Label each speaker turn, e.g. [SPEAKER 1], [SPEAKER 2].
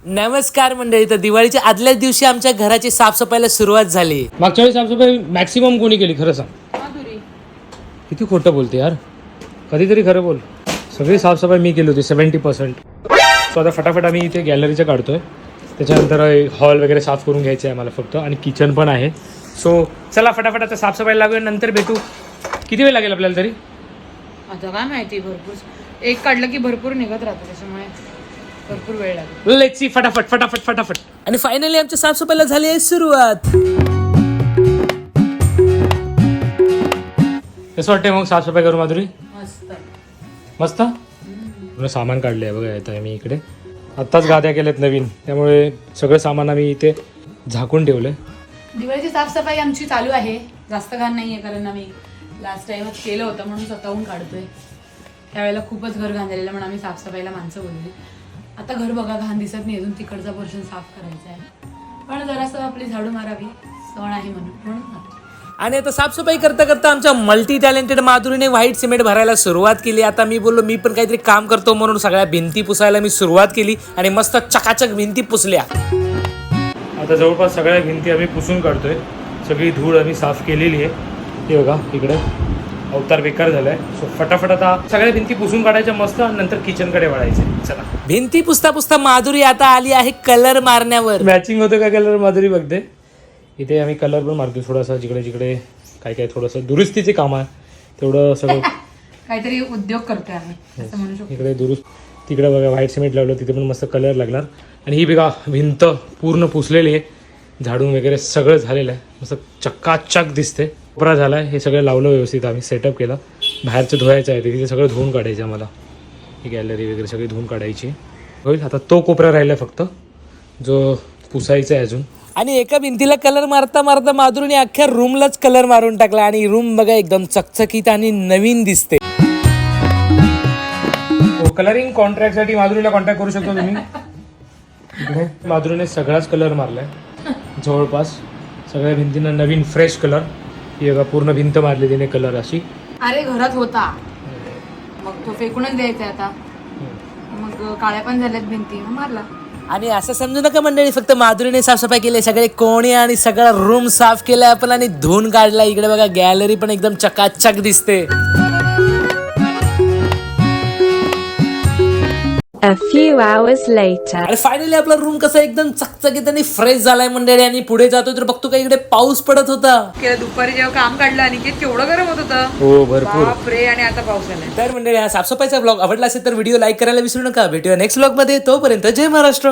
[SPEAKER 1] नमस्कार मंडळी. तर दिवाळीच्या आदल्याच दिवशी आमच्या घराची साफसफाईला सुरुवात झाली.
[SPEAKER 2] मागच्या वेळी साफसफाई मॅक्सिमम कोणी केली खरं सांग?
[SPEAKER 3] माधुरी.
[SPEAKER 2] किती खोटं बोलते यार, कधीतरी खरं बोल. सगळी साफसफाई मी केली होती 70%. सो आता फटाफट आम्ही इथे गॅलरीचं काढतोय, त्याच्यानंतर हॉल वगैरे साफ करून घ्यायचं आहे मला फक्त, आणि किचन पण आहे. सो चला फटाफट आता साफसफाई लागूया, नंतर भेटू. किती वेळ लागेल आपल्याला तरी?
[SPEAKER 3] आता काय माहिती, भरपूर एक काढलं की भरपूर निघत राहतो, त्याच्यामुळे भरपूर वेळ लागेल.
[SPEAKER 2] Let's see. फटाफट फटाफट फटाफट.
[SPEAKER 1] आणि फायनली आमच्या साफसफाईला झाली आहे सुरुवात.
[SPEAKER 2] कसं वाटतंय मग साफसफाई करू माधुरी?
[SPEAKER 3] मस्त
[SPEAKER 2] मस्त. पूर्ण सामान काढलं आहे बघा. येतं मी इकडे आत्ताच गाद्या केल्यात नवीन, त्यामुळे सगळं सामान आम्ही इथे झाकून ठेवलं आहे.
[SPEAKER 3] दिवाळीची साफसफाई आमची चालू आहे. जास्त घाण नाही आहे, कारण आम्ही लास्ट टाइमच केलं होतं म्हणून स्वतःहून काढतोय. त्यावेळेला खूपच घर घाण झालेलं म्हणून आम्ही साफसफाईला माणसं बोलली. आता घर बघा घाण दिसत नाही, अजून तिकडचा पोर्शन साफ करायचा आहे, पण जरासं आपली झाडू मारावी, सण आहे म्हणून.
[SPEAKER 1] आणि आता साफसफाई करता करता आमच्या मल्टी टॅलेंटेड माधुरीने व्हाईट सिमेंट भरायला सुरुवात केली. आता मी बोललो मी पण काहीतरी काम करतो म्हणून सगळ्या भिंती पुसायला मी सुरुवात केली आणि मस्त चकाचक भिंती पुसल्या.
[SPEAKER 2] आता जवळपास सगळ्या भिंती आम्ही पुसून काढतोय. सगळी धूळ आम्ही साफ केलेली आहे. हे बघा इकडे अवतार बेकार झालाय. सो फटाफट आता सगळ्या भिंती पुसून काढायच्या मस्त, आणि नंतर किचनकडे वळायचे. चला.
[SPEAKER 1] भिंती पुसता पुसता माधुरी आता आली आहे कलर मारण्यावर.
[SPEAKER 2] मॅचिंग होतं का कलर? माधुरी बघते. इथे आम्ही कलर पण मारतो थोडासा, जिकडे जिकडे काय काय थोडंसं दुरुस्तीचे काम आहे तेवढं सगळं
[SPEAKER 3] काहीतरी उद्योग करतोय आम्ही, असं म्हणू शकतो.
[SPEAKER 2] इकडे दुरुस्त. तिकडे बघा व्हाईट सिमेंट लावलं, तिथे पण मस्त कलर लागणार. आणि ही बघा भिंत पूर्ण पुसलेली आहे, झाडून वगैरे सगळं झालेलं आहे, मस्त चक्काचक दिसते. कोपरा झाला आहे, हे सगळं लावलं व्यवस्थित, आम्ही सेटअप केला. बाहेरचं धुवायचं आहे, तिथे सगळं धुवून काढायचं आम्हाला. ही गॅलरी वगैरे सगळी धुवून काढायची होईल. आता तो कोपरा राहिला फक्त, जो पुसायचा आहे अजून.
[SPEAKER 1] आणि एका भिंतीला कलर मारता मारता माधुरीने अख्ख्या रूमलाच कलर मारून टाकला, आणि रूम बघा एकदम चकचकीत आणि नवीन दिसते.
[SPEAKER 2] कलरिंग कॉन्ट्रॅक्टसाठी माधुरीला कॉन्टॅक्ट करू शकतो तुम्ही. इकडे माधुरीने सगळाच कलर मारलाय, जवळपास सगळ्या भिंतींना नवीन फ्रेश कलर. ही बघा पूर्ण भिंत मारली तिने कलर अशी.
[SPEAKER 3] अरे घरात होता, मग तो फेकूनच द्यायचा आता. मग काळ्या पण झाल्यात भिंती, मग मारला.
[SPEAKER 1] आणि असं समजू नका मंडळी, फक्त माधुरीने साफसफाई केली, सगळे कोणे आणि सगळा रूम साफ केलाय आपण आणि धुवून काढला. इकडे बघा गॅलरी पण एकदम चकाचक दिसते.
[SPEAKER 4] A few hours later.
[SPEAKER 1] आणि फायनली आपला रूम कसा एकदम चकचकीत आणि फ्रेश झालाय मंडळी. आणि पुढे जातोय तर बघतो का इकडे पाऊस पडत होता.
[SPEAKER 3] दुपारी जेव्हा काम काढलं आणि केवढं गरम होत होतं.
[SPEAKER 2] हो भरपूर.
[SPEAKER 3] बापरे, आणि आता पाऊस आलाय.
[SPEAKER 1] तर मंडळी हा साफसफाईचा ब्लॉग आवडला असेल तर व्हिडिओ लाईक करायला विसरू नका. भेटूया नेक्स्ट ब्लॉग मध्ये. तोपर्यंत जय महाराष्ट्र.